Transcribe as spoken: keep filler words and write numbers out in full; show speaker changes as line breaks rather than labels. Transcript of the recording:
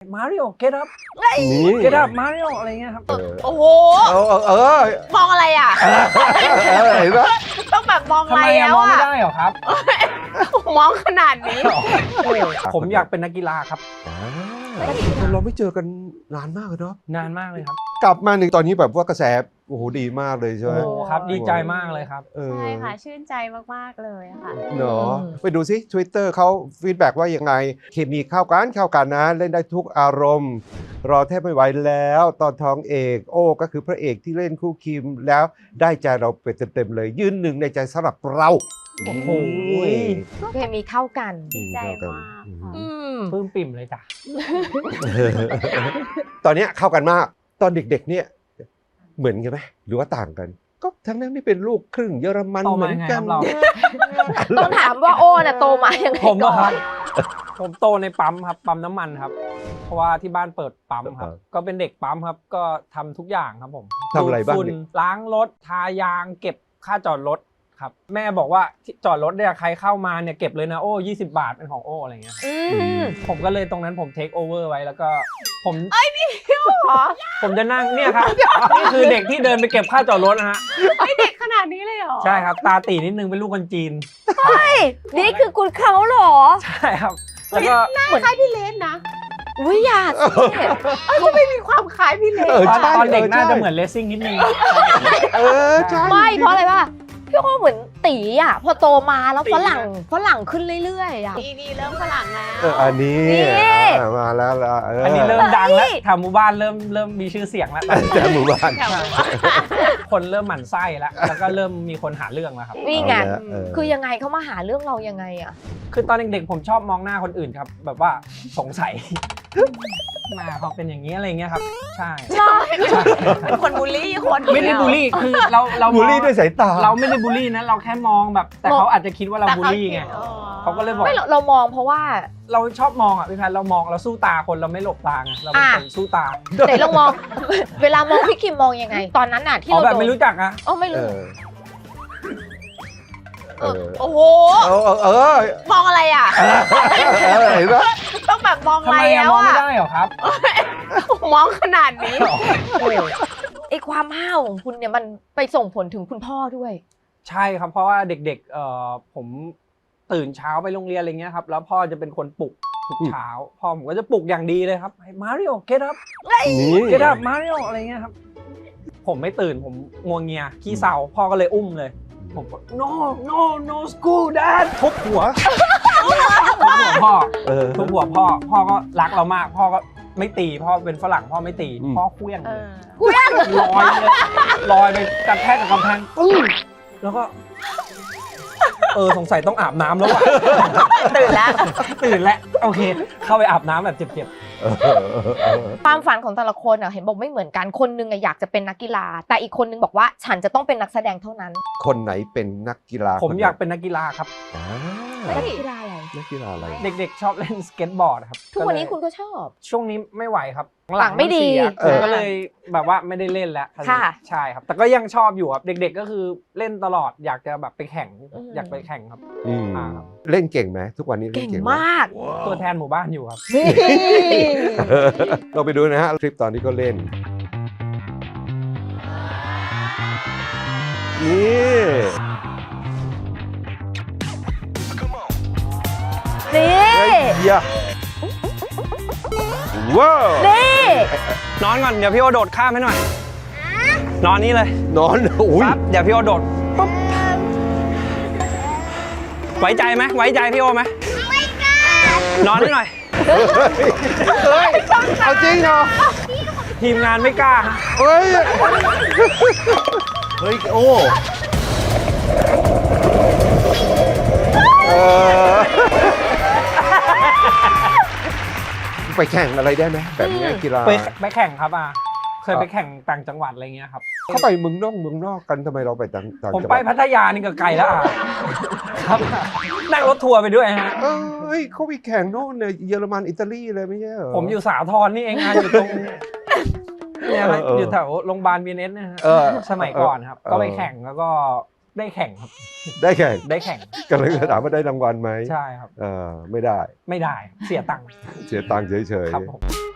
มาริโอเกตอัพเกตอัพมาริโออะไรเงี้ยครับ
โอ้โห
เออเออ
มองอะไรอ่ะ
เห็นไหม
ต้องแบบมองอะไรแล้วอ่ะ
มองไม่ได้หรอครับ
มองขนาดนี้
ผมอยากเป็นนักกีฬาครับ
เราไม่เจอกันนานมากเลยเนาะ
นานมากเลยครับ
กลับมาหนึ่งตอนนี้แบบว่ากระแสโอ้โหดีมากเลยใช่ไหม
โอ้ครับดีใจมากเลยครับ
ใช่ค่ะชื่นใจมากๆเลยค่ะ
เนาะไปดูซิ Twitter เขาฟีดแบ็กว่ายังไงเคมีเข้ากันเข้ากันนะเล่นได้ทุกอารมณ์รอแทบไม่ไหวแล้วตอนท้องเอกโอ้ก็คือพระเอกที่เล่นคู่คิมแล้วได้ใจเราไปเต็มๆเลยยืนหนึ่งในใจสำหรับเรา
โอ้โห
เคมีเข้ากัน
ดี
ใจมาก
ปลื้มปิ่มเลยจ้ะ
ตอนนี้เข้ากันมากตอนเด็กๆเนี่ยเหมือนกันไหมหรือว่าต่างกันก็ทั้งนั้นที่เป็นลูกครึ่งเยอรมันเหมือนกัน
ต้องถามว่าโอ้น่ะโตมายังไง
ผมอะครับผมโตในปั๊มครับปั๊มน้ำมันครับเพราะว่าที่บ้านเปิดปั๊มครับก็เป็นเด็กปั๊มครับก็ทำทุกอย่างครับผม
ทำอะไรบ้าง
ล้างรถทายางเก็บค่าจอดรถครับแม่บอกว่าจอดรถเนี่ยใครเข้ามาเนี่ยเก็บเลยนะโอ้ยี่สิบบาทเป็นของโอ้อะไรเงี้ยผมก็เลยตรงนั้นผมเทคโอเวอร์ไว้แล้วก็ผม
เอ้ยนี่เหรอ
ผมจะนั่งเนี่ยครับนี่คือเด็กที่เดินไปเก็บค่าจอดรถนะฮะ
ไอเด็กขนาดนี้เลยเหรอ
ใช่ครับตาตีนิดนึงเป็นลูกคนจีน
เฮ้ยนี่คือคุณเขาเหรอ
ใช่ครับแล้วก็
หน้าคล้ายพี่เลนนะวิญญาณเขาไม่มีความคล้ายพี่เลน
ตอนเด็กน่าจะเหมือนเลสซิ่งนิดนึง
เออใช่
ไม่เพราะอะไรป่ะพี่โอ้เหมือนตีอ่ะพอโตมาแล้วฝรั่งฝรั่งขึ้นเรื่อยๆอ่ะ
นี่นี่เริ่มฝรั่งแล้ว
เอออันนี้มาแล้ว
อันนี้เริ่มดังแล้วแถวหมู่บ้านเริ่มเริ่มมีชื่อเสียงแล้ว
แถวหมู่บ้าน
คนเริ่มหมั่นไส้แล้วแล้วก็เริ่มมีคนหาเรื่องแล้วครับ
นี่ไงคือยังไงเขามาหาเรื่องเรายังไงอ่ะ
คือตอนเด็กๆผมชอบมองหน้าคนอื่นครับแบบว่าสงสัยมาเขาเป็นอย่างนี้อะไรเงี้ยครับใช่
เป็นคนบูลลี่คน
ไม่ได้บูลลี่คือเราเรา
บูลลี่ด้วยสายตา
เราไม่ได้บูลลี่นะเราแค่มองแบบแต่เขาอาจจะคิดว่าเราบูลลี่ไงเขาก็เลยบอก
ไม่เรามองเพราะว่า
เราชอบมองอ่ะพี่แพนเรามองเราสู้ตาคนเราไม่หลบตาไงเราเป็นคนสู้ตา
ไหนเรามองเวลามองพี่คิมมองยังไงตอนนั้นน่ะที่
เราแบบไม่รู้จักอะ
อ๋อไม่รู้โอ้โห
เออ
มองอะไรอ่ะ
เห็นไหม
ต้องแบบมองอะไร
แล้วอ่ะมองไม่ได้หรอครับ
มองขนาดนี้ไอความห้าวของคุณเนี่ยมันไปส่งผลถึงคุณพ่อด้วย
ใช่ครับเพราะว่าเด็กๆเอ่อผมตื่นเช้าไปโรงเรียนอะไรเงี้ยครับแล้วพ่อจะเป็นคนปลุกทุกเช้าพ่อผมก็จะปลุกอย่างดีเลยครับมาริโอเกตอัพเกตอัพมาริโออะไรเงี้ยครับผมไม่ตื่นผมงัวเงียขี้เศร้าพ่อก็เลยอุ้มเลยผมบอก no no no school dad ทุบหัวทุบหัวพ่อทุบหัวพ่อพ่อก็รักเรามากพ่อก็ไม่ตีพ่อเป็นฝรั่งพ่อไม่ตีพ่อเคลี้ยง
เคลี้ยง
ลอยเลยลอยไปกระแทกกับกำแพงปึ้งแล้วก็เออสงสัยต้องอาบน้ำแล้วว่ะ
ตื่นแล้ว
ตื่นแล้วโอเคเข้าไปอาบน้ำแบบเจ็บ
ๆความฝันของแต่ละคนอ่ะเห็นบอกไม่เหมือนกันคนนึงอยากจะเป็นนักกีฬาแต่อีกคนนึงบอกว่าฉันจะต้องเป็นนักแสดงเท่านั้น
คนไหนเป็นนักกีฬา
ผมอยากเป็นนักกีฬาครับ
นักกีฬาอะไร
นักกีฬาอะไร
เด็กๆชอบเล่นสเก็ตบอร์ดครับ
ทุกวันนี้คุณก็ชอบ
ช่วงนี้ไม่ไหวครับ
หลังไม่ดี
ก็เลยแบบว่าไม่ได้เล่นแล้วใช่ครับแต่ก็ยังชอบอยู่ครับเด็กๆก็คือเล่นตลอดอยากจะแบบไปแข่งอยากไปแข่งครับ
เล่นเก่งไหมทุกวันนี้
เก่งมาก
ตัวแทนหมู่บ้านอยู่ครับ
เราไปดูนะฮะคลิปตอนที่เขาเล่นนี่
นี่
ว้าว
นี่
นอนก่อนเดี๋ยวพี่โอโดดข้ามให้หน่อยนอนนี่เลย
นอนอุ้ย
เดี๋ยวพี่โอโดดปุ๊บไว้ใจไหมไว้ใจพี่โอไหมไม่กล้านอนให้หน่อย
เฮ้ยเอาจริงเหรอ
ทีมงานไม่กล้า
เฮ้ยเฮ้ยโอ้ไปแข่งอะไรได้ไหมแบบนี้กีฬา
ไปไปแข่งครับอ่ะเคยไปแข่งต่างจังหวัดอะไรเงี้ยครับ
เขาไปเมืองนอกเมืองนอกกันทำไมเราไปต่างจังหวัด
ผมไปพัทยานี่ก็ไกลแล้วอ่ะครับนั่งรถทัวร์ไปด้วยฮะ
เอ้ยเขาไปแข่งโน่นเนี่ยเยอรมันอิตาลีเลยไม่ใช่เหรอ
ผมอยู่สาทรนี่เองงานอยู่ตรงเนี่ยอยู่แถวโรงพยาบาลบีเอสนะฮะสมัยก่อนครับก็ไปแข่งแล้วก็ได้แข่งครับ
ได้แข่ง
ได้แข่ง
ก็เลยถามว่าได้รางวัลไหม
ใช่ครับ
เออไม่ได้
ไม่ได้เสียตังค์
เสียตังค์เฉยๆ
ครับผม